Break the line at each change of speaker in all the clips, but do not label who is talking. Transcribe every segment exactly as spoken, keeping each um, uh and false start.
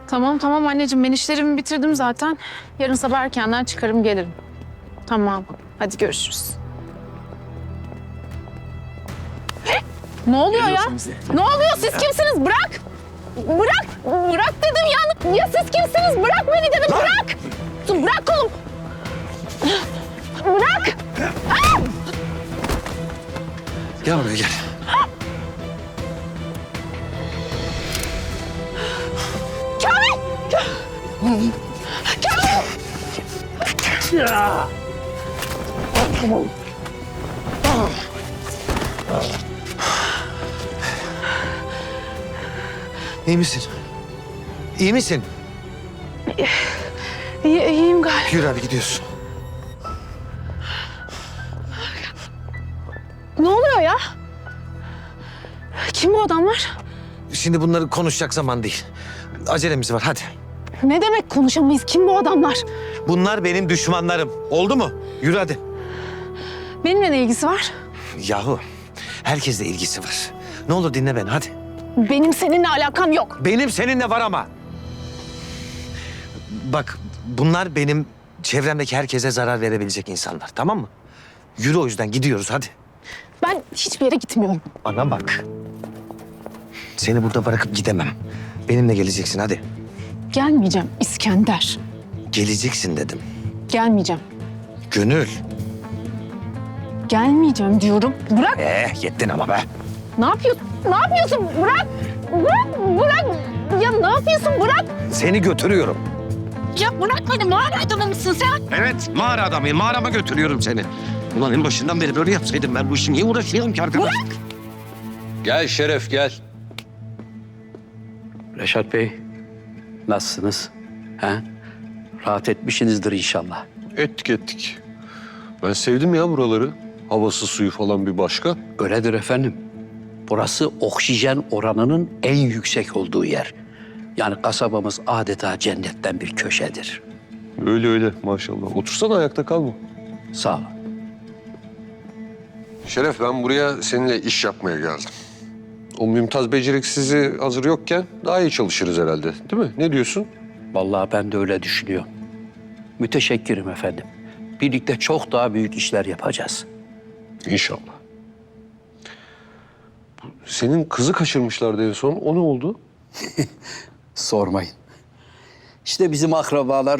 Tamam tamam anneciğim, ben işlerimi bitirdim zaten. Yarın sabah erkenden çıkarım gelirim. Tamam, hadi görüşürüz. Ne oluyor ya? Ne oluyor? Siz kimsiniz? Bırak! Bırak! Bırak dedim ya! Ya siz kimsiniz? Bırak beni dedim, bırak! Dur, bırak kolumu! Bırak! Aa!
Gel buraya gel.
Kamil! Kamil!
İyi misin? İyi misin?
İyi, iyiyim galiba.
Yürü hadi gidiyorsun.
Ne oluyor ya? Kim bu adamlar?
Şimdi bunları konuşacak zaman değil. Acelemiz var hadi.
Ne demek konuşamayız? Kim bu adamlar?
Bunlar benim düşmanlarım. Oldu mu? Yürü hadi.
Benimle ne ilgisi var?
Yahu herkesle ilgisi var. Ne olur dinle beni hadi.
Benim seninle alakam yok.
Benim seninle var ama. Bak bunlar benim çevremdeki herkese zarar verebilecek insanlar, tamam mı? Yürü, o yüzden gidiyoruz hadi.
Ben hiçbir yere gitmiyorum.
Bana bak. Seni burada bırakıp gidemem. Benimle geleceksin hadi.
Gelmeyeceğim İskender.
Geleceksin dedim.
Gelmeyeceğim.
Gönül.
Gelmeyeceğim diyorum. Bırak.
Eh yettin ama be.
Ne yapıyorsun? Ne yapıyorsun? Bırak. Bırak. Bırak. Ya ne yapıyorsun? Bırak.
Seni götürüyorum.
Ya bırak beni. Mağara adamı mısın sen?
Evet, mağara adamıyım. Mağarama götürüyorum seni. Ulan en başından beri böyle yapsaydım ben bu işi niye uğraşıyorum ki arkadaş?
Bırak.
Gel Şeref gel.
Reşat Bey, nasılsınız? Ha? Rahat etmişsinizdir inşallah.
Ettik ettik. Ben sevdim ya buraları. Havası suyu falan bir başka.
Öyledir efendim. Burası oksijen oranının en yüksek olduğu yer. Yani kasabamız adeta cennetten bir köşedir.
Öyle öyle maşallah. Otursana ayakta kalma.
Sağ olun.
Şeref ben buraya seninle iş yapmaya geldim. O Mümtaz beceriksizi hazır yokken daha iyi çalışırız herhalde. Değil mi? Ne diyorsun?
Vallahi ben de öyle düşünüyorum. Müteşekkirim efendim. Birlikte çok daha büyük işler yapacağız.
İnşallah. Bu- Senin kızı kaçırmışlardı en son. O ne oldu?
Sormayın. İşte bizim akrabalar...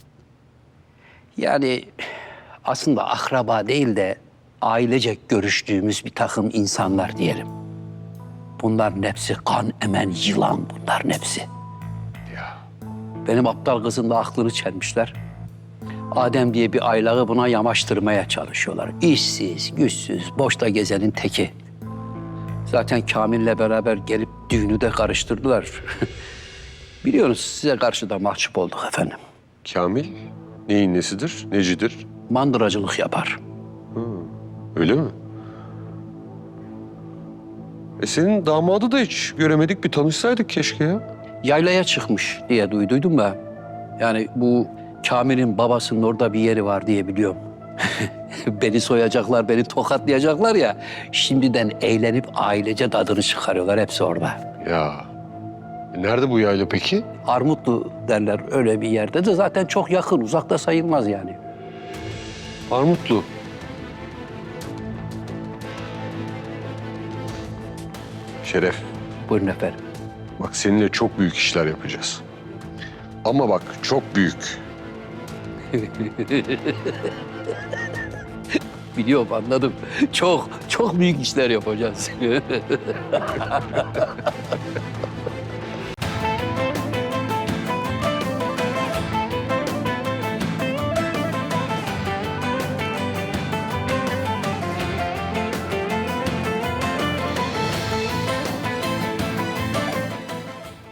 Yani aslında akraba değil de ailecek görüştüğümüz bir takım insanlar diyelim. Bunların hepsi kan emen yılan, bunların hepsi.
Ya.
Benim aptal kızın da aklını çelmişler. Adem diye bir aylağı buna yamaştırmaya çalışıyorlar. İşsiz, güçsüz, boşta gezenin teki. Zaten Kamil'le beraber gelip düğünü de karıştırdılar. Biliyorsunuz size karşı da mahcup olduk efendim.
Kamil neyin nesidir? Necidir?
Mandıracılık yapar.
Öyle mi? E senin damadı da hiç göremedik. Bir tanışsaydık keşke ya.
Yaylaya çıkmış diye duyduydum da. Yani bu Kamil'in babasının orada bir yeri var diye biliyorum. Beni soyacaklar, beni tokatlayacaklar ya. Şimdiden eğlenip ailece tadını çıkarıyorlar. Hepsi orada.
Ya. E nerede bu yayla peki?
Armutlu derler öyle bir yerde de zaten çok yakın, uzakta sayılmaz yani.
Armutlu. Şeref,
Buyurun efendim.
bak seninle çok büyük işler yapacağız. Ama bak çok büyük.
Biliyorum, anladım. Çok, çok büyük işler yapacağız.